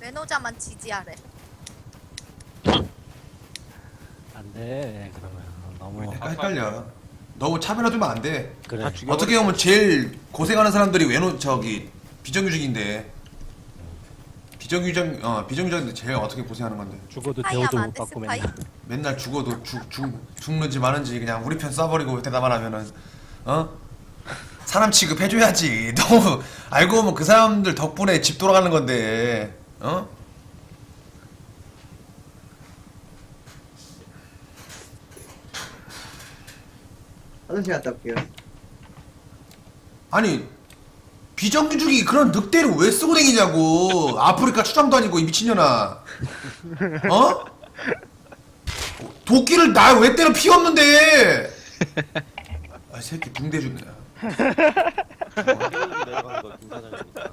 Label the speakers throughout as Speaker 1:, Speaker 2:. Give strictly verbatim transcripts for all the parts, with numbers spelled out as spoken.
Speaker 1: 외노자만 지지하래.
Speaker 2: 안돼 그러면 너무
Speaker 3: 헷갈려. 너무 차별화두면 안 돼.
Speaker 2: 그래.
Speaker 3: 어떻게 보면 제일 고생하는 사람들이 외노 저기 비정규직인데 비정규직 어 비정규직인데 제일 어떻게 고생하는 건데.
Speaker 2: 죽어도
Speaker 1: 스파이
Speaker 2: 대우도
Speaker 1: 하면 안
Speaker 2: 못
Speaker 1: 돼,
Speaker 2: 받고
Speaker 1: 스파이?
Speaker 2: 맨날.
Speaker 3: 맨날 죽어도 죽, 죽, 죽는지 마는지 그냥 우리 편 써버리고 대답 안 하면은 어? 사람 취급해줘야지. 너무 알고 보면 그 사람들 덕분에 집 돌아가는 건데 어?
Speaker 4: 화장실 갔다 올게요.
Speaker 3: 아니 비정규직이 그런 늑대를 왜 쓰고 다니냐고. 아프리카 추장도 아니고 이 미친년아. 어? 도끼를 나 왜 때려 피 없는데. 아 새끼 붕대 주네.
Speaker 5: 내려가는 거 김사장입니다.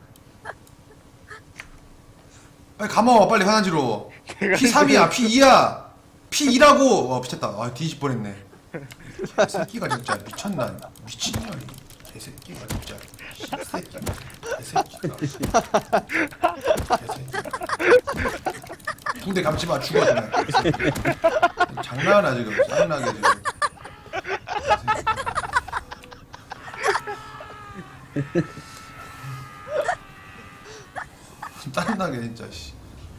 Speaker 3: 빨리 감아 빨리 화장지로. 피 삼이야 피 이야 피 이라고. 어 미쳤다. 아 뒤집 뻔했네. 새끼가 진짜 미쳤나. 미친년이 개새끼가 진짜. 새끼가 개새끼가 개새끼가. 붕대 감지마 죽어 그냥. 장난하나 지금. 장난하게 지금. 짜증나게 진짜 씨.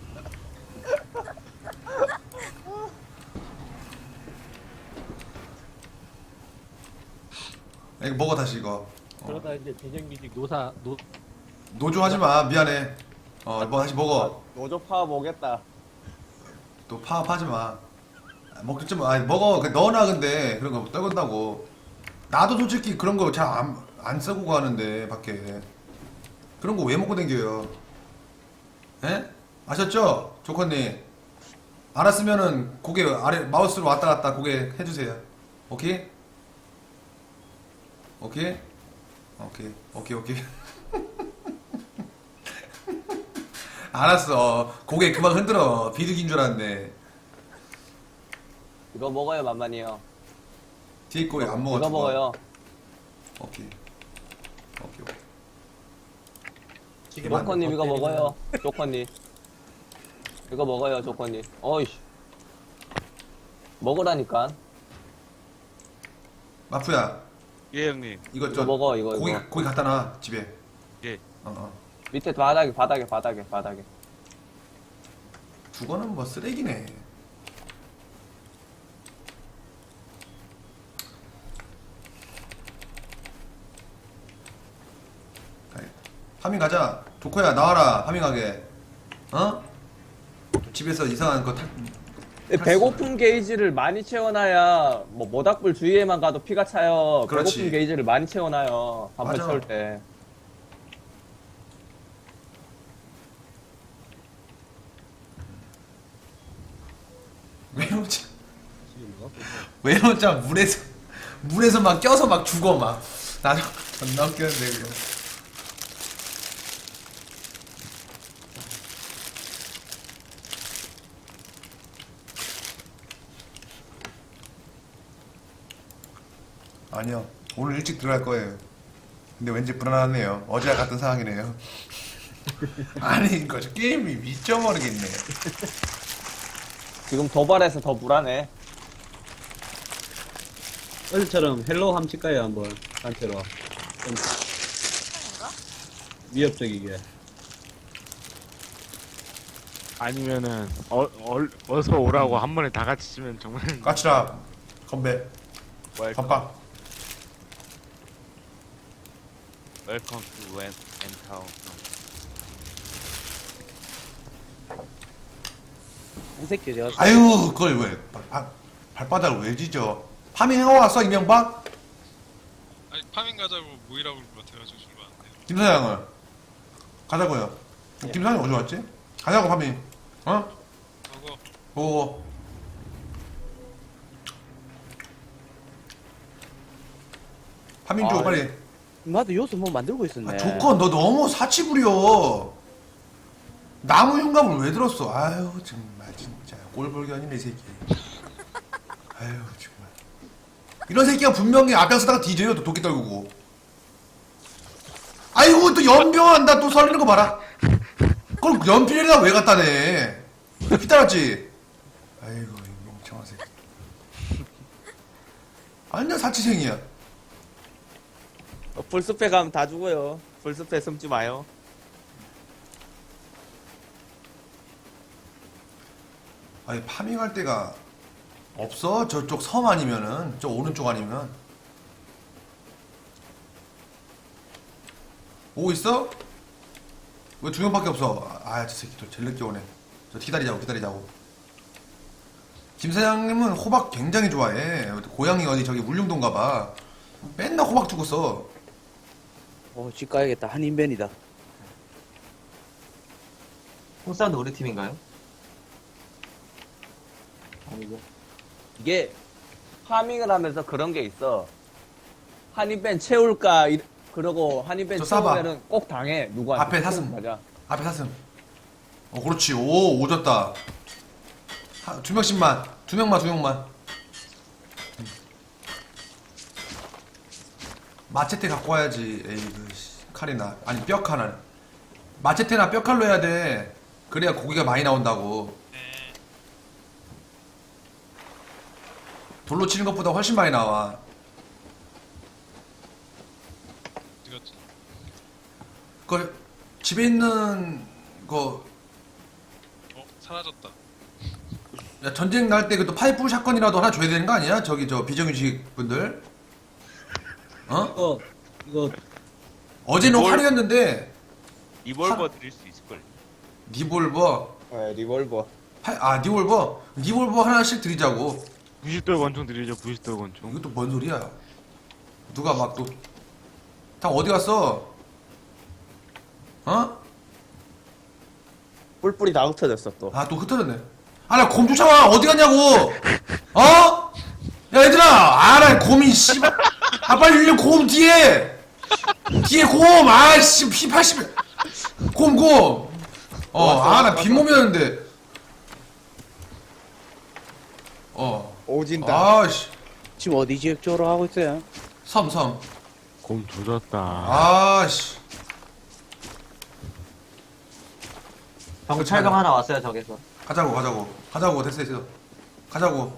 Speaker 3: 이거 먹어 다시 이거. 어.
Speaker 2: 그러다 이제 비정규직 노사 노
Speaker 3: 노조 하지 마 미안해. 어 뭐 다시 먹어.
Speaker 5: 노조 파업 오겠다.
Speaker 3: 또 파업하지 마. 아, 먹지 좀 아니 먹어. 그 넣어놔 근데 그런 거 떨군다고. 나도 솔직히 그런 거 잘 안 안 쓰고 가는데 밖에 그런 거 왜 먹고 댕겨요? 에? 아셨죠? 조커님. 알았으면은 고개 아래 마우스로 왔다 갔다 고개 해주세요. 오케이? 오케이? 오케이 오케이 오케이. 알았어. 고개 그만 흔들어. 비둘기인 줄 알았네.
Speaker 5: 이거 먹어요 만만이요.
Speaker 3: 뒤에 거에 안 먹어.
Speaker 5: 이거 먹어요.
Speaker 3: 오케이. 오케이 오케이.
Speaker 5: 조커님 이거 먹어요. 조커님. 이거 먹어요 조커님. 어이씨. 먹으라니까.
Speaker 3: 마프야.
Speaker 6: 예 형님.
Speaker 3: 이거
Speaker 5: 이거
Speaker 3: 저
Speaker 5: 먹어 이거
Speaker 3: 고기
Speaker 5: 이거.
Speaker 3: 고기 갖다 놔 집에.
Speaker 6: 예.
Speaker 3: 어 어.
Speaker 5: 밑에 바닥에 바닥에 바닥에 바닥에.
Speaker 3: 두거는 뭐 쓰레기네. 가야. 파밍 가자. 조코야 나와라. 파밍하게. 어? 집에서 이상한 거 탈.
Speaker 5: 배고픔 게이지를 많이 채워놔야 뭐 모닥불 주위에만 가도 피가 차요.
Speaker 3: 그렇지.
Speaker 5: 배고픔 게이지를 많이 채워놔요. 반팔
Speaker 3: 맞아.
Speaker 5: 채울 때.
Speaker 3: 외노자. 외노자 물에서 물에서 막 껴서 막 죽어 막. 나도 존나 웃겼는데 그거. 아니요. 오늘 일찍 들어갈 거예요. 근데 왠지 불안하네요. 어제와 같은 상황이네요. 아니 이거 게임이 미쳐버리겠네.
Speaker 5: 지금 도발해서 더 불안해.
Speaker 4: 어제처럼 헬로우 함 칠까요 한번 단체로. 좀
Speaker 1: 인가?
Speaker 4: 위협적이게.
Speaker 6: 아니면은 어, 어 어서 오라고 한 번에 다 같이 치면 정말
Speaker 3: 까치라 건배
Speaker 6: 웰컴
Speaker 3: 건빵.
Speaker 6: 웰컴 투 웬 엔타운.
Speaker 4: 이 새끼 제가
Speaker 3: 아유 그걸 왜 발, 발, 발바닥을 왜 지져. 파밍해 왔어 이명박?
Speaker 7: 아니 파밍 가자고 모이라고 그런 것 같아가지고 준거 안 돼요.
Speaker 3: 김사장을 가자고요. 김사장이 어디 왔지? 가자고 파밍. 어?
Speaker 7: 그거
Speaker 3: 오. 파밍 줘
Speaker 5: 아,
Speaker 3: 빨리.
Speaker 4: 나도 요새 뭐 만들고 있었네.
Speaker 3: 아, 조건 너 너무 사치 부려. 나무 흉감을 왜 들었어? 아유 정말 진짜 꼴불견이네 이 새끼. 아유 정말. 이런 새끼가 분명히 앞장서다가 뒤져요. 또 도끼 떨구고. 아이고 또 연병한다. 또 설리는 거 봐라. 그걸 연필에다 왜 갖다 내? 휘따랐지? 아이고 이 멍청한 새끼. 완전 사치생이야.
Speaker 5: 어, 풀숲에 가면 다 죽어요. 풀숲에 숨지 마요.
Speaker 3: 아니 파밍할 데가 없어? 저쪽 섬 아니면은 저 오른쪽 아니면 오고 있어? 왜 두 명밖에 없어? 아 저 새끼 또 제일 늦게 오네. 저 기다리자고 기다리자고. 김 사장님은 호박 굉장히 좋아해. 고향이 어디 저기 울릉도인가봐. 맨날 호박 주고 써.
Speaker 8: 어, 집 가야겠다. 한인벤이다.
Speaker 9: 홍사운드 우리 팀인가요?
Speaker 4: 아니고.
Speaker 5: 이게 파밍을 하면서 그런 게 있어. 한입벤 채울까 이- 그러고 한입벤
Speaker 3: 저 싸봐.
Speaker 5: 채우면은 꼭 당해. 누구한테.
Speaker 3: 앞에 사슴.
Speaker 5: 맞아.
Speaker 3: 앞에 사슴. 어 그렇지. 오 오졌다. 하, 두 명씩만. 두 명만 두 명만. 음. 마체테 갖고 와야지. 에이그 칼이나 아니 뼈 칼은. 마체테나 뼈 칼로 해야 돼. 그래야 고기가 많이 나온다고. 돌로 치는 것보다 훨씬 많이 나와.
Speaker 7: 어디 갔지?
Speaker 3: 그 집에 있는 거
Speaker 7: 어 사라졌다.
Speaker 3: 야, 전쟁 날 때 그 또 파이프 샷건이라도 하나 줘야 되는 거 아니야? 저기 저 비정규직 분들. 어?
Speaker 4: 이거 이거
Speaker 3: 어제는
Speaker 6: 뭘-
Speaker 3: 활이었는데
Speaker 6: 리볼버 드릴 수 있을걸.
Speaker 3: 리볼버.
Speaker 5: 네, 리볼버.
Speaker 3: 파, 아 리볼버. 리볼버 하나씩 드리자고.
Speaker 6: 구십 돌 권총 드리죠. 구십 돌 권총.
Speaker 3: 이것도 뭔 소리야? 누가 막 또 다 어디 갔어? 어?
Speaker 5: 뿔뿔이 다 흩어졌어 또.
Speaker 3: 아 또 흩어졌네. 아 나 곰 쫓아와 어디 갔냐고. 어? 야 얘들아. 아나 곰이 씨발. 아 빨리 일로 곰 뒤에. 뒤에 곰. 아씨 피 팔십. 곰 곰. 어 아 나 빈몸이었는데. 어.
Speaker 5: 오진다.
Speaker 3: 아씨.
Speaker 8: 지금 어디 지역 쪽으로 하고 있어요?
Speaker 3: 섬 섬.
Speaker 6: 곰 조졌다.
Speaker 3: 아씨.
Speaker 9: 방금 철강 하나 왔어요 저기서.
Speaker 3: 가자고 가자고 가자고 됐어 됐어. 가자고.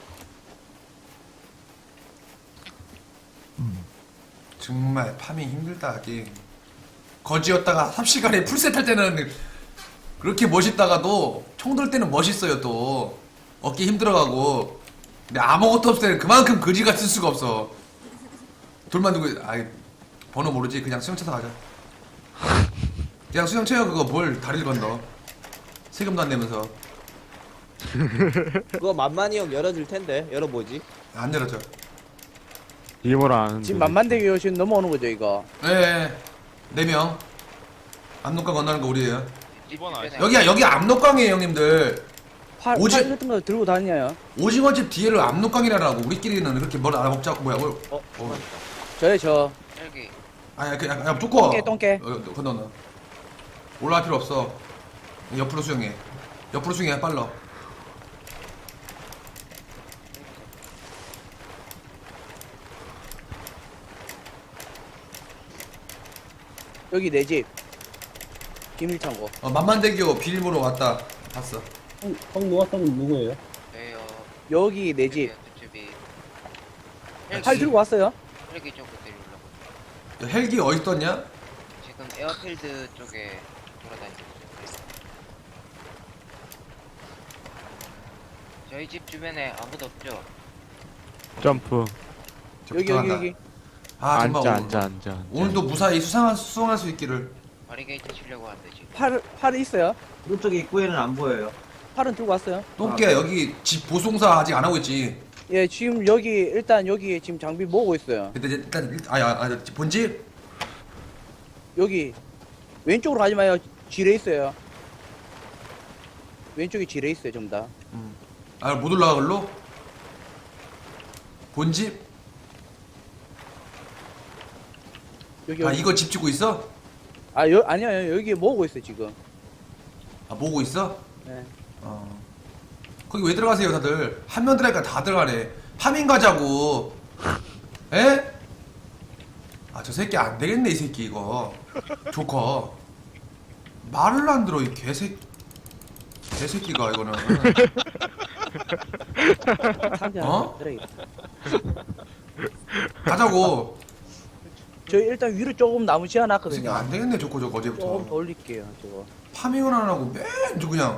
Speaker 3: 정말 파밍 힘들다 게임. 거지였다가 삽시간에 풀셋 할 때는 그렇게 멋있다가도 총 들 때는 멋있어요 또. 어깨 힘들어가고. 근데 아무것도 없을 때는 그만큼 거지 같을 수가 없어. 돌만 두고 아이 번호 모르지. 그냥 수영 쳐서 가자. 그냥 수영 쳐요. 그거 뭘 다리를 건너. 세금도 안 내면서.
Speaker 5: 그거 만만히 형 열어줄 텐데 열어보지.
Speaker 3: 안 열어져.
Speaker 6: 비밀번호 아는데.
Speaker 8: 지금 만만대교 지금 넘어오는 거죠, 이거?
Speaker 3: 네, 네 명. 압록강 건너는 거 우리예요.
Speaker 7: 이번 아시
Speaker 3: 여기야, 여기 압록강이에요, 형님들.
Speaker 8: 팔,
Speaker 3: 오지-
Speaker 8: 팔 같은 거 들고 다니냐요?
Speaker 3: 오징어집 뒤에를 압록강이라고. 우리끼리는 그렇게 뭘 알아먹자고 뭐야? 뭘?
Speaker 5: 어?
Speaker 3: 어.
Speaker 8: 저요, 저.
Speaker 1: 여기.
Speaker 3: 아야, 그, 야, 야, 두꺼워.
Speaker 8: 똥개, 똥개.
Speaker 3: 어, 어, 건너. 올라갈 필요 없어. 옆으로 수영해. 옆으로 수영해, 빨라.
Speaker 8: 여기 내 집. 비밀창고.
Speaker 3: 어, 만만대교 비밀번호 왔다. 봤어.
Speaker 4: 형, 형 누웠던 누구예요?
Speaker 1: 왜요?
Speaker 8: 여기 내 집.
Speaker 1: 집이.
Speaker 8: 팔 들고 왔어요?
Speaker 1: 헬기 쪽으로 내려오려고.
Speaker 3: 야, 헬기 어디 떴냐?
Speaker 1: 지금 에어필드 쪽에 돌아다니고 있어요. 저희 집 주변에 아무도 없죠?
Speaker 6: 점프.
Speaker 3: 저
Speaker 8: 여기, 여기,
Speaker 3: 부탁한다.
Speaker 8: 여기.
Speaker 3: 아, 정말
Speaker 6: 앉아,
Speaker 3: 오늘,
Speaker 6: 앉아, 앉아, 앉아.
Speaker 3: 오늘도 무사히 수상한, 수상할 수 있기를.
Speaker 1: 바리게이트 치려고 하는데 지금.
Speaker 8: 팔, 팔이 있어요?
Speaker 9: 오른쪽 입구에는 안 보여요.
Speaker 8: 팔은 들고 왔어요?
Speaker 3: 똥개 여기 집 보송사 아직 안 하고 있지.
Speaker 8: 예, 지금 여기, 일단 여기 지금 장비 모으고 있어요.
Speaker 3: 근데 이제 일단 일- 아야 아, 본집
Speaker 8: 여기. 왼쪽으로 가지 마요. 지뢰 있어요. 왼쪽에 지뢰 있어요, 전부 다.
Speaker 3: 아 못 올라가 걸로 본집
Speaker 8: 여기,
Speaker 3: 아
Speaker 8: 여기.
Speaker 3: 이거 집 짓고 있어?
Speaker 8: 아, 여, 아니요, 여기 모으고 있어요, 지금.
Speaker 3: 아 모으고 있어?
Speaker 8: 네.
Speaker 3: 어 거기 왜 들어가세요 다들 한 명 들어가니까 다 들어가네. 파밍 가자고. 에? 아 저 새끼 안 되겠네 이 새끼 이거 조커 말을 안 들어 이 개새 개새끼가 이거는.
Speaker 8: 상대
Speaker 3: 어?
Speaker 8: 그래.
Speaker 3: 가자고.
Speaker 8: 저 일단 위로 조금 나무
Speaker 3: 이 새끼
Speaker 8: 지어놨거든요.
Speaker 3: 안 되겠네 저거 저거
Speaker 8: 조금 더
Speaker 3: 어제부터.
Speaker 8: 올릴게요 저거.
Speaker 3: 파밍을 안 하고 맨 저 그냥.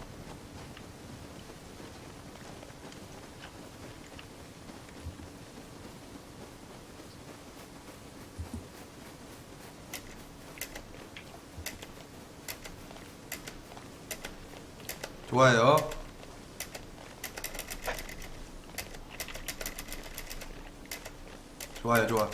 Speaker 3: 좋아요. 좋아요, 좋아.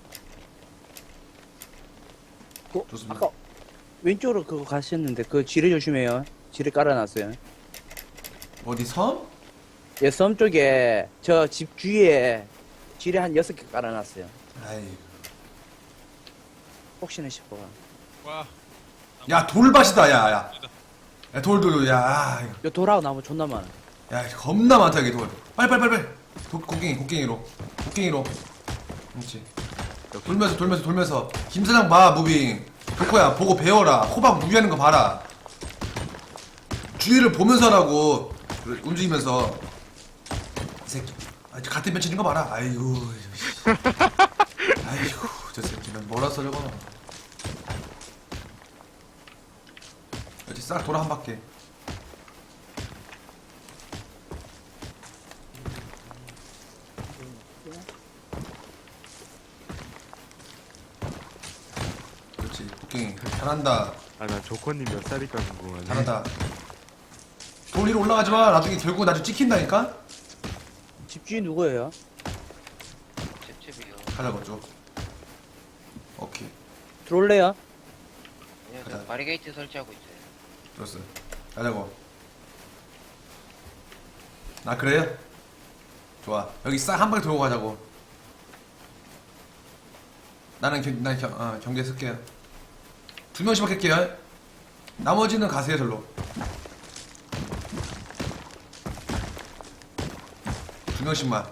Speaker 8: 그,
Speaker 3: 좋습니다.
Speaker 8: 아까 왼쪽으로 그거 가셨는데 그 지뢰 조심해요. 지뢰 깔아놨어요.
Speaker 3: 어디 섬?
Speaker 8: 예, 섬 쪽에 저 집 주위에 지뢰 한 여섯 개 깔아놨어요.
Speaker 3: 아이.
Speaker 8: 혹시나 싶어.
Speaker 7: 와.
Speaker 3: 야 돌밭이다, 야, 야. 야 돌돌, 야, 이거.
Speaker 8: 요 돌하고 나무 존나 많아.
Speaker 3: 야 겁나 많다 이게 돌. 빨리 빨리 빨리 빨리. 도, 곡괭이 곡괭이로, 곡괭이로. 그렇지. 돌면서 돌면서 돌면서. 김 사장 봐 무빙. 덕호야 보고 배워라. 호박 무비하는 거 봐라. 주위를 보면서 하라고. 그래, 움직이면서. 이 새끼. 아, 같은 면 치는 거 봐라. 아이고. 씨. 아이고 저 새끼는 뭐라서 저거. 여기 싹 돌아 한 바퀴. 그렇지 곡괭이 잘한다.
Speaker 6: 아, 나 조커님 몇 살일까 궁금하네.
Speaker 3: 잘한다. 돌 위로 올라가지 마. 나중에 결국 나중에 찍힌다니까.
Speaker 8: 집 주인 누구예요?
Speaker 1: 찝찝이요.
Speaker 3: 가자고 쭉. 오케이
Speaker 8: 들어올래요?
Speaker 1: 아니요, 저
Speaker 3: 가자.
Speaker 1: 바리게이트 설치하고 있어요.
Speaker 3: 들었어. 가자고. 아 그래요? 좋아. 여기 싹 한 방에 들어오고 가자고. 나는 경, 난 경, 어, 경계 쓸게요. 두 명씩만 할게요. 나머지는 가세요 절로. 두 명씩만.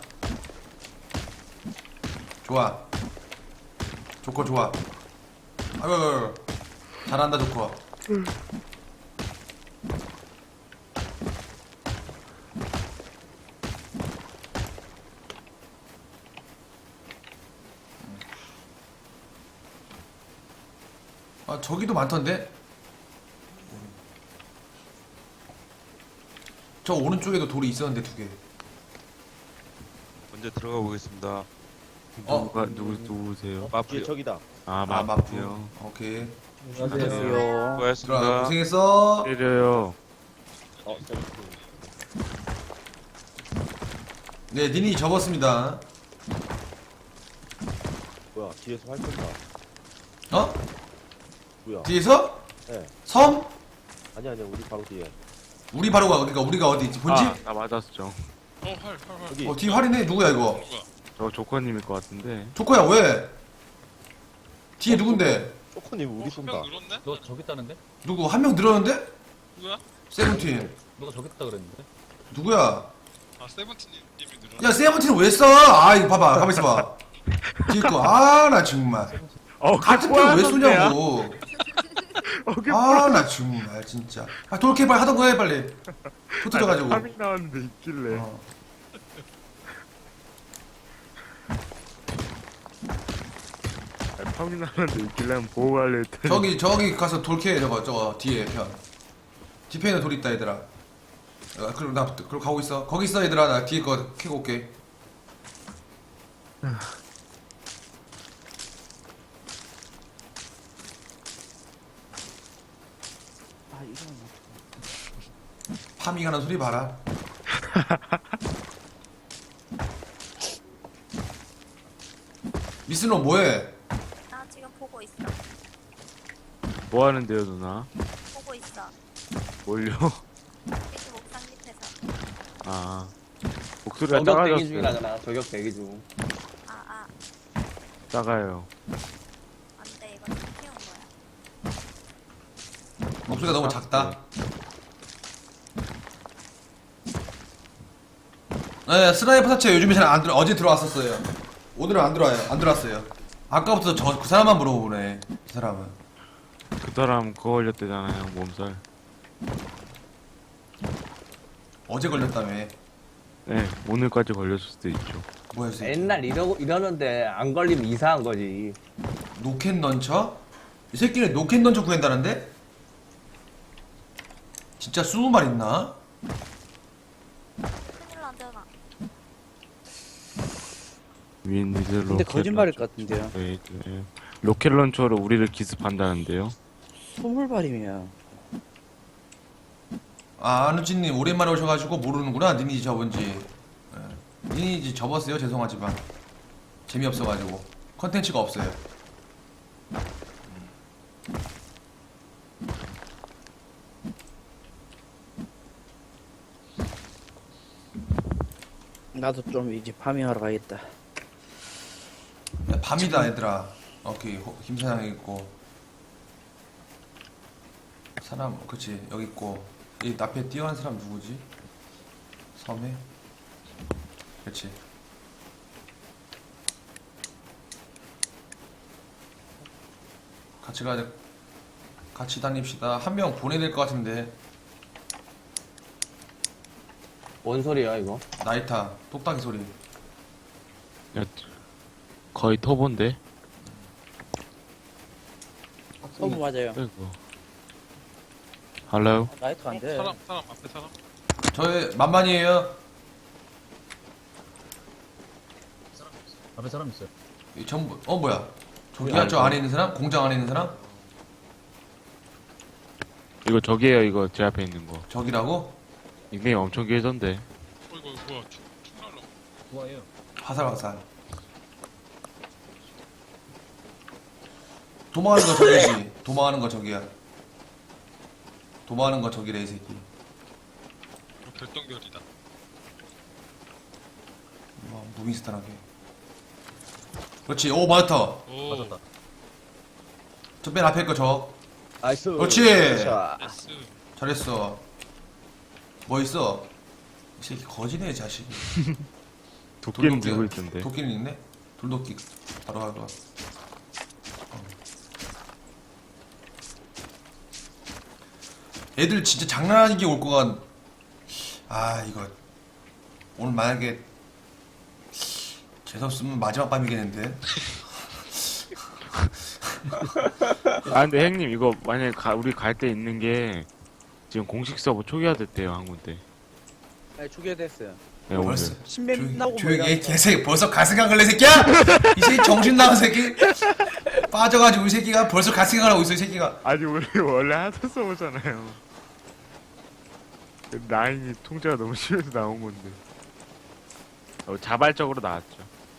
Speaker 3: 좋아. 조커 좋아. 아유, 아유, 아유. 잘한다 조커. 아 저기도 많던데? 저 오른쪽에도 돌이 있었는데 두 개.
Speaker 10: 먼저 들어가 보겠습니다.
Speaker 3: 어?
Speaker 6: 누가 누구 누구세요?
Speaker 10: 마프요.
Speaker 9: 저기다.
Speaker 6: 아,
Speaker 3: 아 마프.
Speaker 6: 마프요.
Speaker 3: 오케이.
Speaker 8: 안녕하세요.
Speaker 3: 들어가.
Speaker 10: 수고하셨습니다.
Speaker 3: 고생했어.
Speaker 6: 때려요.
Speaker 9: 어, 저기.
Speaker 3: 네, 니니 접었습니다.
Speaker 9: 뭐야, 뒤에서 활 쏜다.
Speaker 3: 어?
Speaker 9: 뭐야?
Speaker 3: 뒤에서?
Speaker 9: 네.
Speaker 3: 섬?
Speaker 9: 아니, 아니, 우리 바로 뒤에.
Speaker 3: 우리 바로 가. 그러니까 우리가 어디 있지? 본집?
Speaker 6: 아, 나 맞았죠.
Speaker 7: 어, 활, 활, 활.
Speaker 9: 여기.
Speaker 3: 어, 뒤 활이네. 누구야 이거?
Speaker 7: 누가?
Speaker 6: 저 조커님일 것 같은데.
Speaker 3: 조커야 왜? 뒤에 누군데?
Speaker 9: 쪼코님 우리
Speaker 7: 어,
Speaker 9: 쏜다.
Speaker 7: 한명 늘었네?
Speaker 2: 너 저기 있다는데?
Speaker 3: 누구? 한 명 늘었는데?
Speaker 7: 누구야?
Speaker 3: 세븐틴.
Speaker 2: 너가 저기 있다 그랬는데?
Speaker 3: 누구야?
Speaker 7: 아, 세븐틴님이 늘었네.
Speaker 3: 야 세븐틴 왜 써? 아 이거 봐봐. 가만 있어봐. 뒤에 거. 아 나 정말.
Speaker 6: 어,
Speaker 3: 같은
Speaker 6: 그게
Speaker 3: 편왜
Speaker 6: 뽀얀
Speaker 3: 쏘냐고.
Speaker 6: 어, 그게
Speaker 3: 아 나 정말 진짜. 아 돌캐 빨리 하던 거 해 빨리. 붙어져가지고.
Speaker 6: 파밍 나왔는데 있길래.
Speaker 3: 어.
Speaker 6: 아, 파밍 나왔는데 있길래 한번 보고 갈래 했더니.
Speaker 3: 저기 저기 가서 돌캐 저거 저거 뒤에 편. 뒤편에 돌 있다 얘들아. 아, 그럼 나 그럼 가고 있어. 거기 있어 얘들아. 나 뒤에 거 캐고 올게.
Speaker 8: 아 이거는 뭐.
Speaker 3: 파밍하는 소리 봐라. 미스노 뭐해?
Speaker 11: 나 지금 보고 있어.
Speaker 6: 뭐 하는데요, 누나?
Speaker 11: 보고 있어.
Speaker 6: 뭘요?
Speaker 11: 여기 옥상 밑에서.
Speaker 6: 아, 목소리가
Speaker 5: 저격 대기
Speaker 6: 작아졌어요.
Speaker 5: 중이라잖아. 저격 대기 중.
Speaker 11: 아, 아.
Speaker 6: 작아요.
Speaker 11: 안 돼. 이거 좀 키운 거야.
Speaker 3: 목소리가 너무 작다. 네, 스나이퍼 사체 요즘에 잘 안 들어. 어제 들어왔었어요. 오늘은 안 들어와요. 안 들어왔어요. 아까부터 저 그 사람만 물어보네. 그 사람은.
Speaker 6: 사람 그거 걸렸대잖아요, 몸살.
Speaker 3: 어제 걸렸다며.
Speaker 6: 네, 오늘까지 걸렸을 수도 있죠.
Speaker 3: 뭐야 이 새끼.
Speaker 5: 옛날 이러고 이러는데 안 걸리면 이상한 거지.
Speaker 3: 노캔 던처? 이 새끼는 노캔 던처 구한다는데? 진짜 스무 말 있나?
Speaker 11: 큰일 난다나.
Speaker 6: 윈 미드 로켓.
Speaker 8: 근데 거짓말일 것 같은데요.
Speaker 6: 네, 네. 로켓 런처로 우리를 기습한다는데요.
Speaker 8: 스물 발이면.
Speaker 3: 아 안우진님 오랜만에 오셔가지고 모르는구나. 니니지 접은지. 예. 니니지 접었어요. 죄송하지만 재미없어가지고 컨텐츠가 없어요.
Speaker 8: 나도 좀 이제 파밍하러 가겠다.
Speaker 3: 야, 밤이다 얘들아. 오케이 호- 김사장 있고 사람 그치 여기 있고 이 앞에 뛰어가는 사람 누구지? 섬에? 그치. 같이 가야 돼. 같이 다닙시다. 한 명 보내야 될 것 같은데.
Speaker 5: 뭔 소리야 이거?
Speaker 3: 나이타 똑딱이 소리.
Speaker 6: 야, 거의 터본데?
Speaker 8: 서브 맞아요.
Speaker 6: 아이고. 할로?
Speaker 8: 나이트 안 돼.
Speaker 7: 사람 사람 앞에 사람.
Speaker 3: 저의 만만이에요.
Speaker 2: 앞에 사람 있어요.
Speaker 3: 이 전부 어 뭐야? 저기야 저 안에 있는 사람? 공장 안에 있는 사람?
Speaker 6: 이거 저기에요, 이거 제 앞에 있는 거.
Speaker 3: 저기라고?
Speaker 6: 닉네임 엄청 길던데.
Speaker 7: 어 이거 뭐야? 축, 축 날라.
Speaker 2: 좋아해요.
Speaker 3: 화살 화살. 도망하는 거 저기지. 도망하는 거 저기야. 도망하는 거 저기래 이 새끼.
Speaker 7: 이거 별똥별이다.
Speaker 3: 와 무빙스타하게. 그렇지. 오 맞았다.
Speaker 7: 오.
Speaker 2: 맞았다.
Speaker 3: 저 맨 앞에 거 저.
Speaker 5: 나이스.
Speaker 3: 그렇지.
Speaker 8: 자,
Speaker 7: 예스.
Speaker 3: 잘했어. 뭐 있어? 이 새끼 거지네 이 자식이.
Speaker 6: 도끼는
Speaker 3: 돌도끼-
Speaker 6: 들고 있던데.
Speaker 3: 도끼는 있네. 돌도끼 바로 가봐. 어. 애들 진짜 장난 아니게 올 거가. 아 이거 오늘 만약에 재수없으면 마지막 밤이겠는데.
Speaker 6: 아, 근데 형님, 이거 만약에 가, 우리 갈 때 있는 게 지금 공식 서버 초기화됐대요, 한 군데.
Speaker 8: 네, 초기화됐어요.
Speaker 6: 네, 오늘.
Speaker 3: 벌써
Speaker 8: 신맵
Speaker 3: 조용히
Speaker 8: 나오고
Speaker 3: 조용히 해
Speaker 8: 뭐야.
Speaker 3: 개새끼. 벌써 가스강 걸래 새끼야. 이 새끼 정신 나간 새끼. 빠져가지고 이 새끼가 벌써 가스강 하고 있어 이 새끼가.
Speaker 6: 아니, 우리 원래 하드 서버잖아요. 라인이 통제가 너무 심해서 나온 건데. 어, 자발적으로 나왔죠.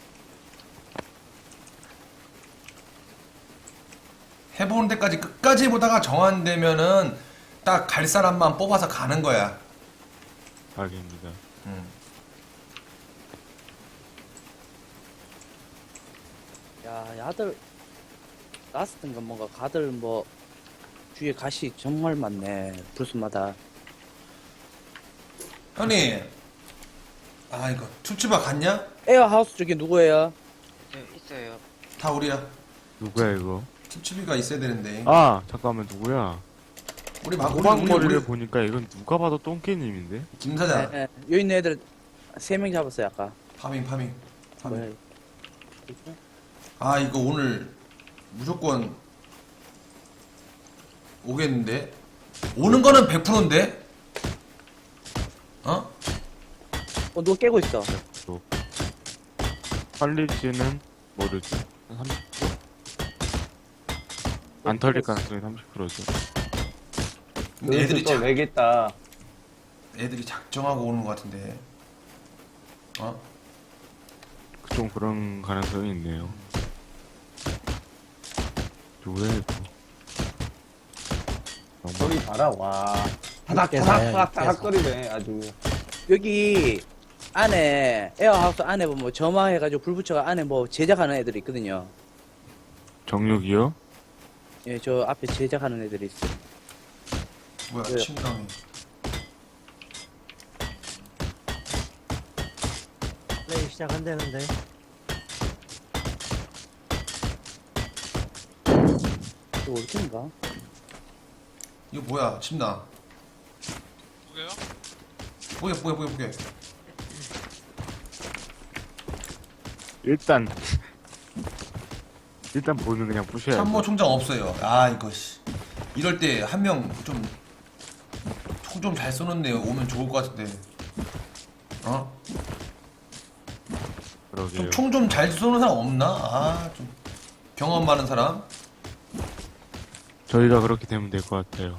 Speaker 3: 해보는 데까지 끝까지 보다가 정한되면은 딱 갈 사람만 뽑아서 가는 거야.
Speaker 6: 알겠습니다.
Speaker 3: 음.
Speaker 8: 야, 야들 라스트인가 뭔가 가들 뭐 뒤에 가시 정말 많네. 불순마다.
Speaker 3: 형님, 아 이거 투츠바 갔냐?
Speaker 8: 에어하우스 쪽에 누구예요?
Speaker 1: 네, 있어요.
Speaker 3: 다 우리야.
Speaker 6: 누구야, 이거?
Speaker 3: 투츠비가 있어야 되는데.
Speaker 6: 아, 잠깐만, 누구야?
Speaker 3: 우리 막 우리 우리
Speaker 6: 호박머리를
Speaker 3: 우리
Speaker 6: 보니까 이건 누가 봐도 똥개님인데?
Speaker 3: 김 사장
Speaker 8: 네, 네. 여기 있는 애들 세 명 잡았어요 아까.
Speaker 3: 파밍 파밍
Speaker 8: 뭐야?
Speaker 3: 파밍.
Speaker 8: 이거?
Speaker 3: 아 이거 오늘 무조건 오겠는데? 오는 거는 백 퍼센트인데? 어?
Speaker 8: 어, 누가 깨고 있어.
Speaker 6: 털릴지는 모르지. 한 삼십 퍼센트? 안 털릴 가능성이 삼십 퍼센트죠.
Speaker 3: 근데 애들이
Speaker 5: 또
Speaker 3: 작,
Speaker 5: 내겠다.
Speaker 3: 애들이 작정하고 오는 것 같은데. 어?
Speaker 6: 좀 그런 가능성이 있네요. 누구야, 이거?
Speaker 5: 소리 봐라 와. 타닥 타닥 타닥 타닥 거리네 아주.
Speaker 8: 여기 안에 에어하우스 안에 보면 점화해가지고 불 붙여가 안에 뭐 제작하는 애들이 있거든요.
Speaker 6: 정육이요?
Speaker 8: 예, 저 앞에 제작하는 애들이 있어요.
Speaker 3: 뭐야
Speaker 8: 왜요?
Speaker 3: 침강이.
Speaker 9: 플레이 시작한다는데.
Speaker 8: 이거 어디인가?
Speaker 3: 이거 뭐야 침나.
Speaker 7: 뭐게요?
Speaker 3: 보게 보게 보게 보게.
Speaker 6: 일단 일단 보는 그냥 부셔야
Speaker 3: 참모
Speaker 6: 돼.
Speaker 3: 총장 없어요. 아 이거 씨. 이럴 때 한 명 좀 총 좀 잘 쏘는 애 오면 좋을 것 같은데. 어?
Speaker 6: 그러게요.
Speaker 3: 좀 총 좀 잘 쏘는 사람 없나? 아 좀 경험 많은 사람.
Speaker 6: 저희가 그렇게 되면 될 것 같아요.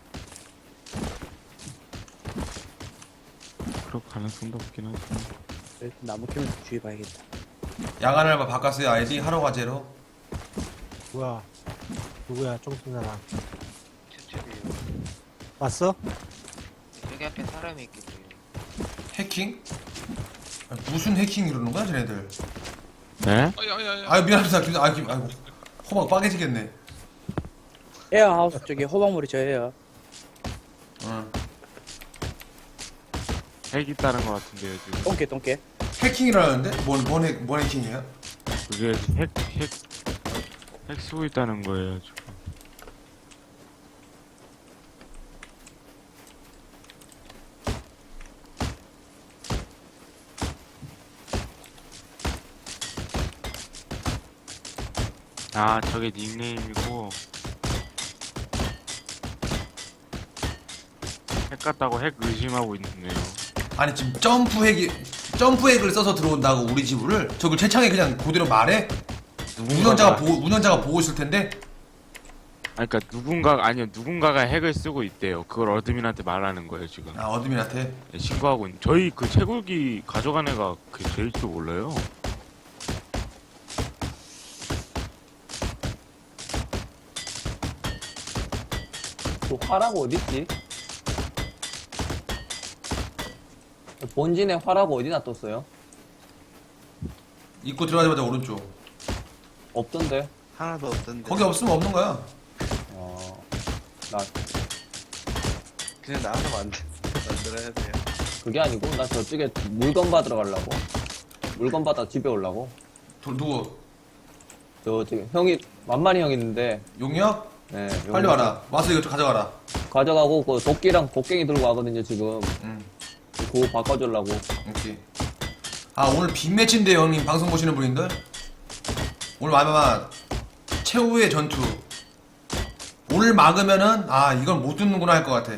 Speaker 6: 그럴 가능성도 없긴 하지만.
Speaker 8: 그래도 나무 캐면 주의봐야겠다.
Speaker 3: 야간 알바 바꿨어요. 아이디 하러 가제로.
Speaker 10: 뭐야? 누구야? 쫑순 사람.
Speaker 1: 저쪽이요.
Speaker 10: 왔어?
Speaker 1: 여기 앞에 사람이 있겠죠.
Speaker 3: 해킹? 아니, 무슨 해킹 이러는 거야 쟤네들?
Speaker 6: 네?
Speaker 7: 아야야야.
Speaker 3: 아유 미안합니다. 김- 아유 김- 아이고 호박 빠개지겠네.
Speaker 8: 에어하우스 쪽에 호박물이 저예요.
Speaker 3: 응.
Speaker 6: 핵 있다는 것 같은데요 지금.
Speaker 8: 똥개 똥개.
Speaker 3: 해킹이라는데? 뭔, 뭔, 해, 뭔 해킹이야?
Speaker 6: 그게 핵, 핵, 핵 쓰고 있다는 거예요, 지금. 아, 저게 닉네임이고. 핵 같다고 핵 의심하고 있네요.
Speaker 3: 아니 지금 점프 핵이 점프 핵을 써서 들어온다고 우리 집을 저걸 채창에 그냥 그대로 말해? 운영자가 보고 운영자가 보고 있을 텐데.
Speaker 6: 아니, 그니까 누군가, 아니요, 누군가가 핵을 쓰고 있대요. 그걸 어드민한테 말하는 거예요, 지금.
Speaker 3: 아 어드민한테.
Speaker 6: 네, 신고하고 있는. 저희 그 채굴기 가져간 애가 그 제일 줄 몰라요.
Speaker 5: 그 화라고 어딨지? 본진에 화라고 어디 놔뒀어요?
Speaker 3: 입구 들어가자마자 오른쪽.
Speaker 5: 없던데.
Speaker 9: 하나도 없던데.
Speaker 3: 거기 없으면 없는 거야.
Speaker 5: 어, 나
Speaker 9: 그냥 나와서 만들, 만들어야 돼요.
Speaker 5: 그게 아니고 나 저쪽에 물건 받으러 가려고. 물건 받아 집에 오려고.
Speaker 3: 도, 누구?
Speaker 5: 저 지금 형이 만만히 형 있는데.
Speaker 3: 용역?
Speaker 5: 네.
Speaker 3: 빨리
Speaker 5: 여기
Speaker 3: 와라. 와서 이거 좀 가져가라.
Speaker 5: 가져가고 그 도끼랑 곡괭이 들고 가거든요 지금.
Speaker 3: 응.
Speaker 5: 그거 바꿔주려고.
Speaker 3: 오케이. 아 오늘 빅매치인데 형님 방송 보시는 분인들? 오늘 아마 최후의 전투. 오늘 막으면은 아 이건 못 듣는구나 할 것 같아.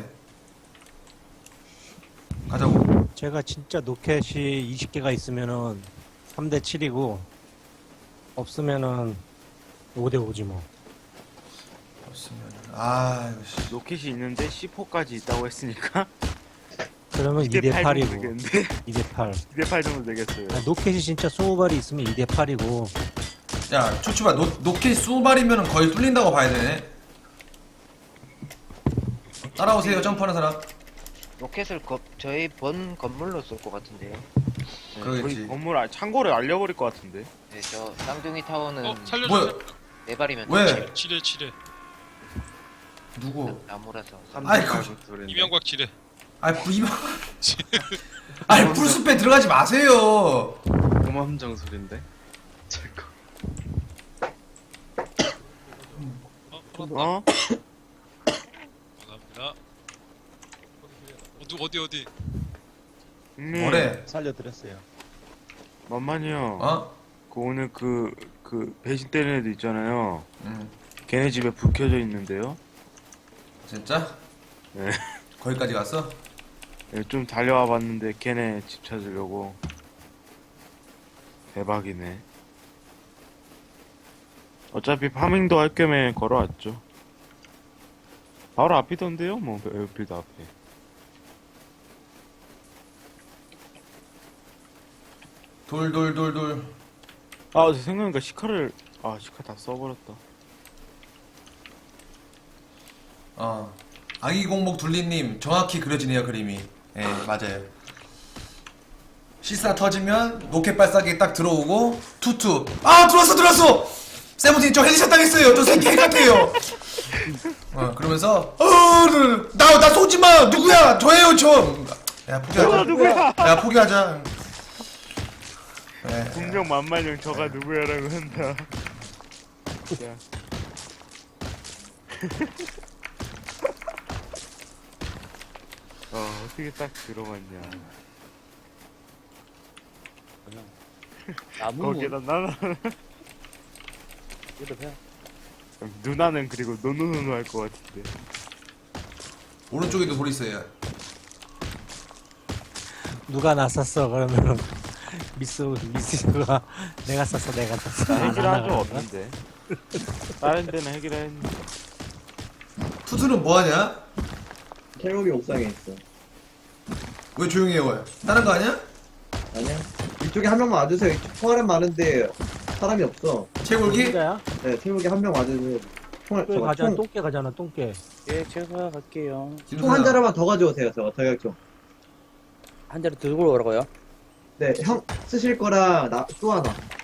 Speaker 3: 가자고.
Speaker 10: 제가 진짜 노켓이 이십 개가 있으면은 삼 대 칠이고 없으면은 오 대 오지 뭐.
Speaker 3: 없으면 아 이거 씨.
Speaker 6: 로켓이 있는데 씨포까지 있다고 했으니까
Speaker 10: 그러면 이 대
Speaker 6: 이 대 팔
Speaker 10: 팔이고
Speaker 6: 정도 되겠는데?
Speaker 10: 이 대 팔.
Speaker 6: 이 대 팔 정도 되겠어요.
Speaker 10: 아, 노켓이 진짜 이십 발이 있으면 이 대 팔이고
Speaker 3: 야 초치바 노, 노켓 스무 발이면 거의 뚫린다고 봐야 되네. 따라오세요 점프하는 사람.
Speaker 1: 로켓을 거, 저희 본 건물로 쏠 것 같은데요.
Speaker 6: 네,
Speaker 3: 그러겠지.
Speaker 6: 저희 건물 아, 창고를 알려버릴 것 같은데.
Speaker 1: 네, 저 쌍둥이 타워는
Speaker 7: 어 살려줘.
Speaker 3: 뭐야?
Speaker 1: 네 발이면
Speaker 3: 왜?
Speaker 7: 지뢰 지뢰.
Speaker 3: 누구?
Speaker 1: 나무라서.
Speaker 3: 아이 그
Speaker 7: 이명박 지뢰.
Speaker 3: 아이 이만. 아이 풀숲에 들어가지 마세요.
Speaker 9: 고함정 소린데. 제거.
Speaker 7: 어? 풀었다.
Speaker 6: 어?
Speaker 7: 감사합니다. 어디 어디 어디?
Speaker 6: 형님,
Speaker 3: 뭐래?
Speaker 10: 살려드렸어요.
Speaker 6: 만만히요.
Speaker 3: 어?
Speaker 6: 그 오늘 그, 그 배신 때리는 애들 있잖아요.
Speaker 3: 응.
Speaker 6: 걔네 집에 불 켜져 있는데요.
Speaker 3: 진짜?
Speaker 6: 네.
Speaker 3: 거기까지 갔어?
Speaker 6: 네, 좀 달려와 봤는데 걔네 집 찾으려고. 대박이네. 어차피 파밍도 할 겸에 걸어왔죠. 바로 앞이던데요? 뭐 에어필드 앞에.
Speaker 3: 돌돌돌돌.
Speaker 6: 아 생각해보니까 시카를 아 시카 다 써버렸다.
Speaker 3: 어. 아기 공복 둘리님 정확히 그려지네요 그림이. 예 맞아요. 실사 터지면 로켓 발사기 딱 들어오고 투투. 아 들어왔어 들어왔어. 세븐틴 저 헤드샷 당했어요. 저 새끼 같아요. 어 그러면서 어나나 쏘지 마 누구야 저예요 저. 야 포기하자.
Speaker 6: 누구야?
Speaker 3: 야 포기하자. 예.
Speaker 6: 분명 만만형 저가 누구야라고 한다. 야. 어 어떻게 딱 들어갔냐.
Speaker 8: 나무
Speaker 6: 거기다 나는
Speaker 8: 이거 해.
Speaker 6: 누나는 그리고 노노노노 할 것 같은데.
Speaker 3: 오른쪽에도 돌 있어요.
Speaker 10: 누가 나 쐈어 그러면은 미스 미스가 내가 쐈어 내가 쐈어. 안
Speaker 6: 해결한 적
Speaker 10: 하나
Speaker 6: 없는데. 다른 데는 해결했는데.
Speaker 3: 투수는 뭐하냐?
Speaker 9: 태국이 옥상에 있어.
Speaker 3: 왜 조용히 해요? 다른 거 아니야?
Speaker 9: 아니야? 이쪽에 한 명만 와주세요. 이쪽 총알은 많은데 사람이 없어.
Speaker 3: 채굴기?
Speaker 10: 누가야?
Speaker 9: 네, 태국이 한 명 와주세요. 총알,
Speaker 10: 똥개
Speaker 9: 저거
Speaker 10: 가잖아
Speaker 9: 총,
Speaker 10: 똥개 가잖아 똥개.
Speaker 8: 예, 제가 갈게요.
Speaker 9: 총 한 자루만 더 가져오세요. 저거 저격총.
Speaker 8: 한 자리 들고 오라고요?
Speaker 9: 네, 형 쓰실 거랑 나 또 하나.